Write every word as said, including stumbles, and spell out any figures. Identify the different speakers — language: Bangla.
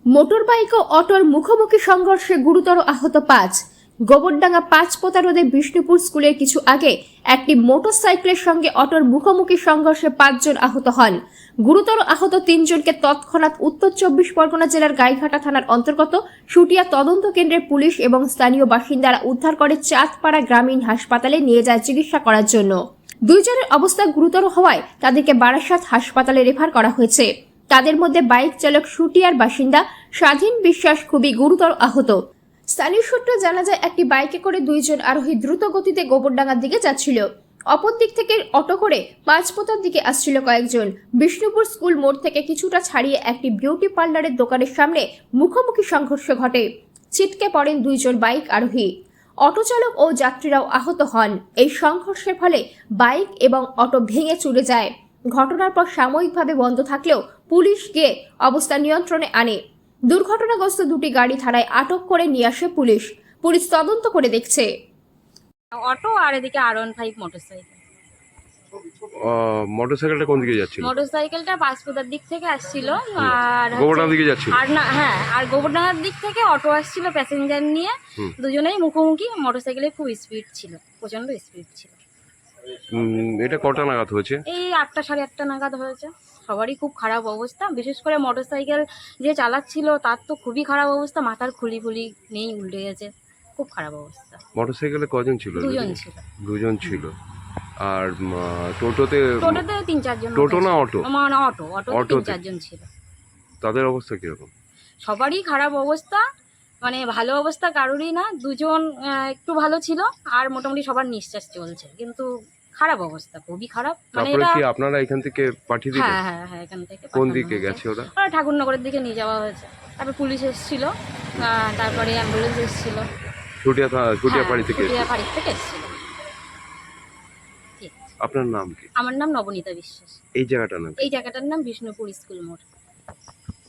Speaker 1: মোটরবাইক ও অটোর মুখোমুখি সংঘর্ষে গুরুতর আহত পাঁচ। গোবরডাঙ্গা পাঁচপোতা রোডে বিষ্ণুপুর স্কুলের কিছু আগে একটি মোটরসাইকেলের সঙ্গে অটোর মুখোমুখি সংঘর্ষে পাঁচজন আহত হন। গুরুতর আহত তিনজনকে তৎক্ষণাৎ উত্তর চব্বিশ পরগনা জেলার গাইঘাটা থানার অন্তর্গত সুটিয়া তদন্ত কেন্দ্রের পুলিশ এবং স্থানীয় বাসিন্দারা উদ্ধার করে চাঁদপাড়া গ্রামীণ হাসপাতালে নিয়ে যায় চিকিৎসা করার জন্য। দুইজনের অবস্থা গুরুতর হওয়ায় তাদেরকে বারাসাত হাসপাতালে রেফার করা হয়েছে। তাদের মধ্যে বাইক চালক সুটিয়ার বাসিন্দা স্বাধীন বিশ্বাস খুবই গুরুতর আহত। স্থানীয় সূত্রে জানা যায়, একটি বাইকে করে দুইজন আরোহী দ্রুত গতিতে গোবরডাঙ্গার দিকে যাচ্ছিল। অপর দিক থেকে অটো করে পাঁচপোতার দিকে আসছিল কয়েকজন। বিষ্ণুপুর স্কুল মোড় থেকে কিছুটা ছাড়িয়ে একটি বিউটি পার্লারের দোকানের সামনে মুখোমুখি সংঘর্ষ ঘটে। ছিটকে পড়েন দুইজন বাইক আরোহী। অটো চালক ও যাত্রীরাও আহত হন। এই সংঘর্ষের ফলে বাইক এবং অটো ভেঙে চুরে যায়। ঘটনার পর সাময়িকভাবে বন্ধ থাকলেও পুলিশ গিয়ে অবস্থা নিয়ন্ত্রণে আনে। দুর্ঘটনাগ্রস্ত দুটি গাড়ি থানায় আটক করে নিয়ে আসে পুলিশ। পুলিশ তদন্ত করে দেখছে।
Speaker 2: অটো আর এদিকে আর ওয়ান ফাইভ মোটরসাইকেল।
Speaker 3: মোটরসাইকেলটা কোন দিকে যাচ্ছিল?
Speaker 2: মোটরসাইকেলটা পাঁচপোতার দিক থেকে আসছিল আর
Speaker 3: গোবরডাঙ্গার দিকে যাচ্ছিল।
Speaker 2: আর না হ্যাঁ আর গোবরডাঙ্গার দিক থেকে অটো আসছিল প্যাসেঞ্জার নিয়ে। দুজনেই মুখোমুখি। মোটরসাইকেলে খুব স্পিড ছিল, প্রচন্ড স্পিড ছিল।
Speaker 3: এটা কটা নাগাদ হয়েছে?
Speaker 2: এই আটটা সাড়ে আটটা নাগাদ হয়েছে। সবারই খুব খারাপ অবস্থা, বিশেষ করে মোটরসাইকেল যে চালাচ্ছিল তার তো খুবই খারাপ অবস্থা। মাথার খুলি ফুলি নেই, উল্টে গেছে, খুব খারাপ অবস্থা।
Speaker 3: মোটরসাইকেলে কজন ছিল?
Speaker 2: দুজন ছিল।
Speaker 3: দুজন ছিল। আর টোটোতে?
Speaker 2: টোটোতে তিন চারজন।
Speaker 3: টোটো না অটো?
Speaker 2: মানে অটো অটো তিন চারজন ছিল।
Speaker 3: তাদের অবস্থা কিরকম?
Speaker 2: সবারই খারাপ অবস্থা, মানে ভালো অবস্থা কারোরই না। দুজন একটু ভালো ছিল আর মোটামুটি সবার নিঃশ্বাস চলছে, কিন্তু খারাপ অবস্থা, খুবই খারাপ। মানে
Speaker 3: তারপরে
Speaker 2: এটা
Speaker 3: কি আপনারা এখান থেকে পাঠিয়ে দিলেন?
Speaker 2: হ্যাঁ হ্যাঁ হ্যাঁ এখান থেকে
Speaker 3: কোন
Speaker 2: পাঠানো
Speaker 3: দিকে
Speaker 2: হয়েছে।
Speaker 3: গেছে ওরা?
Speaker 2: ওরা ঠাকুরনগরের দিকে নিয়ে যাওয়া হয়েছে। তারপর পুলিশ এসেছিল, তারপরে অ্যাম্বুলেন্স এসেছিল।
Speaker 3: ছুটিয়া ছুটিয়া বাড়ি থেকে?
Speaker 2: ছুটিয়া বাড়ি থেকে এসেছিল।
Speaker 3: আপনার নাম কি?
Speaker 2: আমার নাম নবনীতা বিশ্বাস।
Speaker 3: এই জায়গাটার নাম?
Speaker 2: এই জায়গাটার নাম বিষ্ণুপুর স্কুল মোড়।